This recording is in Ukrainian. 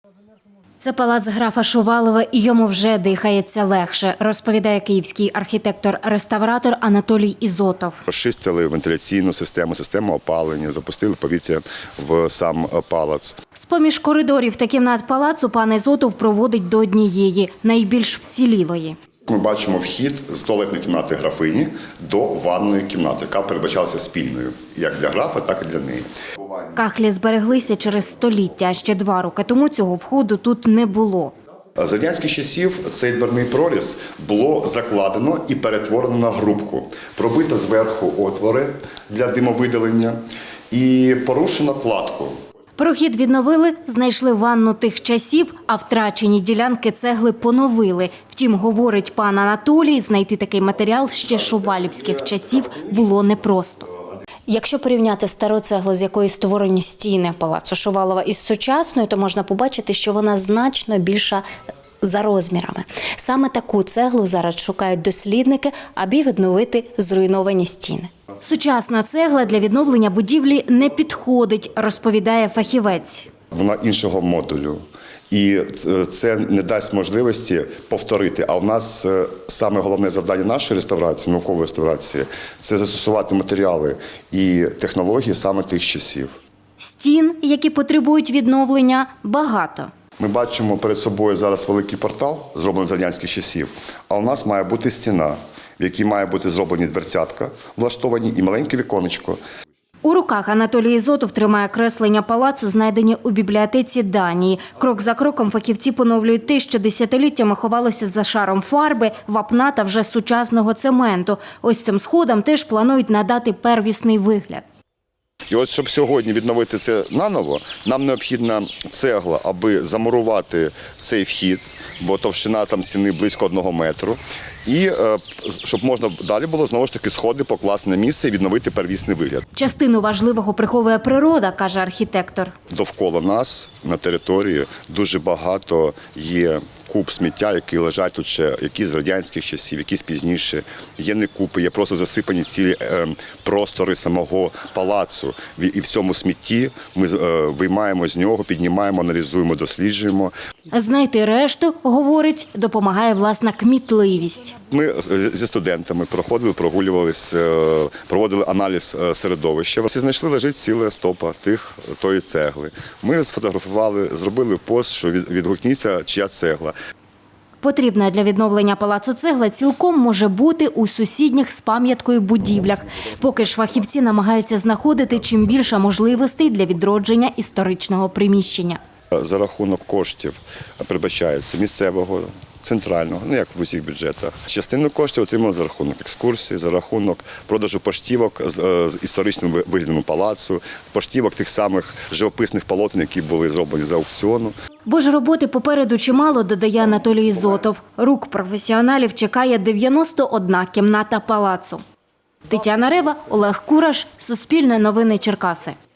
Це палац графа Шувалова, і йому вже дихається легше, розповідає київський архітектор-реставратор Анатолій Ізотов. Розчистили вентиляційну систему, систему опалення, запустили повітря в сам палац. З-поміж коридорів та кімнат палацу пан Ізотов проводить до однієї, найбільш вцілілої. Ми бачимо вхід з туалетної кімнати графині до ванної кімнати, яка передбачалася спільною, як для графа, так і для неї. Кахлі збереглися через століття, а ще 2 роки тому цього входу тут не було. З радянських часів цей дверний проріз було закладено і перетворено на грубку. Пробито зверху отвори для димовидалення і порушено кладку. Прохід відновили, знайшли ванну тих часів, а втрачені ділянки цегли поновили. Втім, говорить пан Анатолій, знайти такий матеріал ще шувалівських часів було непросто. Якщо порівняти стару цеглу, з якої створені стіни палацу Шувалова, із сучасною, то можна побачити, що вона значно більша за розмірами. Саме таку цеглу зараз шукають дослідники, аби відновити зруйновані стіни. Сучасна цегла для відновлення будівлі не підходить, розповідає фахівець. Вона іншого модулю. І це не дасть можливості повторити. А в нас саме головне завдання нашої реставрації, наукової реставрації – це застосувати матеріали і технології саме тих часів. Стін, які потребують відновлення, багато. Ми бачимо перед собою зараз великий портал, зроблений з радянських часів, а у нас має бути стіна, в якій має бути зроблені дверцятка, влаштовані і маленьке віконечко. У руках Анатолій Ізотов тримає креслення палацу, знайдені у бібліотеці Данії. Крок за кроком фахівці поновлюють те, що десятиліттями ховалося за шаром фарби, вапна та вже сучасного цементу. Ось цим сходам теж планують надати первісний вигляд. І от, щоб сьогодні відновити це наново, нам необхідна цегла, аби замурувати цей вхід, бо товщина там стіни близько 1 метру. І щоб можна далі було знову ж таки сходи покласти на місце і відновити первісний вигляд. Частину важливого приховує природа, каже архітектор. Довкола нас на території дуже багато є куб сміття, які лежать тут ще, які з радянських часів, якісь пізніше. Є не купи, є просто засипані цілі простори самого палацу. І в цьому смітті ми виймаємо з нього, піднімаємо, аналізуємо, досліджуємо. Знайти решту, говорить, допомагає власна кмітливість. Ми зі студентами проходили, прогулювались, проводили аналіз середовища. І знайшли, лежить ціла стопа тої цегли. Ми сфотографували, зробили пост, що відгукніться, чия цегла. Потрібна для відновлення палацу цегла цілком може бути у сусідніх з пам'яткою будівлях. Поки ж фахівці намагаються знаходити чим більше можливостей для відродження історичного приміщення. За рахунок коштів передбачається місцевого, центрального, як в усіх бюджетах. Частину коштів отримали за рахунок екскурсій, за рахунок продажу поштівок з історичним виглядом палацу, поштівок тих самих живописних полотен, які були зроблені з аукціону. Бо ж роботи попереду чимало, додає Анатолій Ізотов. Рук професіоналів чекає 91 кімната палацу. Тетяна Рева, Олег Кураш, Суспільне новини Черкаси.